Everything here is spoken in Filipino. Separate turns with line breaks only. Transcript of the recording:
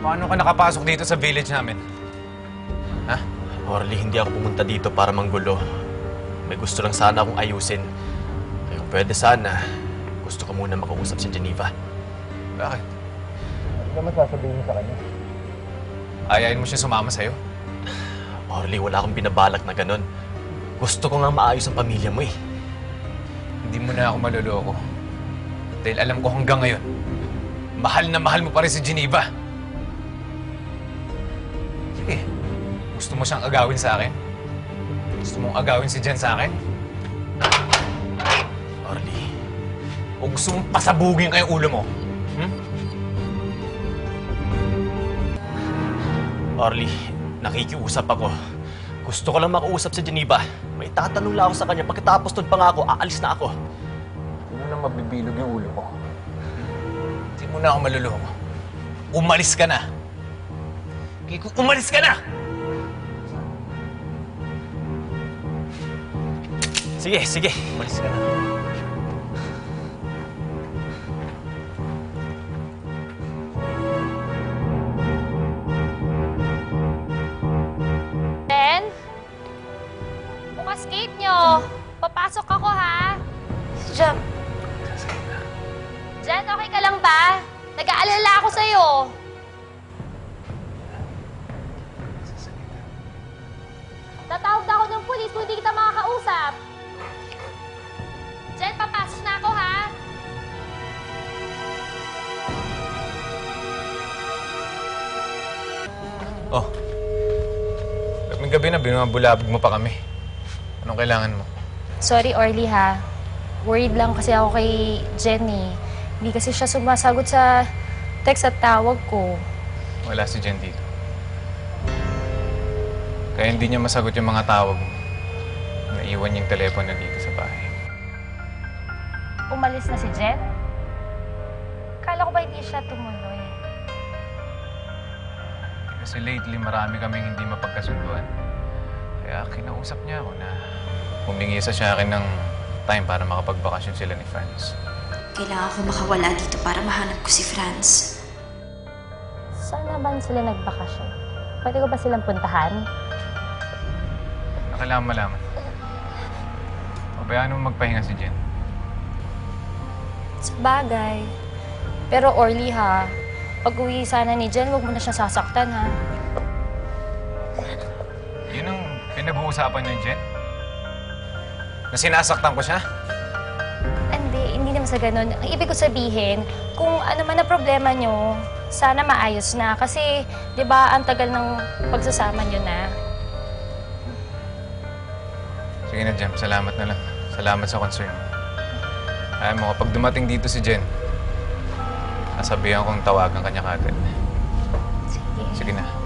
Paano ka nakapasok dito sa village namin? Ha?
Orly, hindi ako pumunta dito para manggulo. May gusto lang sana akong ayusin. Kaya kung pwede sana, gusto ko muna makausap si Geneva.
Bakit?
Ano naman sasabihin mo sa kanya?
Ayayin mo siya sumama sa'yo?
Orly, wala akong binabalak na ganun. Gusto ko nga maayos ang pamilya mo eh.
Hindi mo na ako maloloko. Dahil alam ko hanggang ngayon, mahal na mahal mo pa rin si Geneva. Sige, gusto mo siyang agawin sa akin? Gusto mong agawin si Jen sa akin?
Orly,
O gusto mong pasabugin ka yung ulo mo? Hmm?
Orly, nakikiusap ako. Gusto ko lang makausap si Geneva. May tatanong lang ako sa kanya. Pagkatapos doon pa nga ako, aalis na ako.
Hindi mo na mabibilog yung ulo mo.
Hindi mo na ako maluloko. Umalis ka na! Kiko, umalis ka na!
Sige, sige. Umalis ka na.
Jen? Bukas gate nyo. Papasok ako, ha?
Jam,
Jen, okay ka lang ba? Nag-aalala ako sa'yo. Tatawag na ako ng pulis kung hindi kita makakausap. Jen, papasok na ako, ha?
Oh. Gabi na, binabulabog mo pa kami. Anong kailangan mo?
Sorry, Orly, ha? Worried lang kasi ako kay Jenny. Hindi kasi siya sumasagot sa text at tawag ko.
Wala si Jen dito. Kaya hindi niya masagot yung mga tawag mo. Naiwan niya yung telepono dito sa bahay.
Umalis na si Jen? Kala ko ba hindi siya tumuloy?
Kasi lately, marami kaming hindi mapagkasunduan. Kaya kinausap niya ako na humingi sa akin ng time para makapagbakasyon sila ni Franz.
kailangan ko makawala dito para mahanap ko si Franz.
Saan naman sila nagbakasyon? Pwede ko ba silang puntahan?
Kailangan malaman. Pabayaan mo magpahinga si Jen.
Sa bagay. Pero Orly, ha? Pag-uwi sana ni Jen, huwag mo na siya sasaktan, ha?
Yun ang pinag-uusapan niyo, Jen? Na sinasaktan ko siya?
Hindi naman sa ganun. Ang ibig ko sabihin, kung ano man na problema nyo, sana maayos na. Kasi, di ba, ang tagal ng pagsasama nyo na.
Sige na, Jen. Salamat na lang. Salamat sa concern mo. Ayaw mo, kapag dumating dito si Jen, nasabihan kong tawagan kanya kagad.
Sige.
Sige na.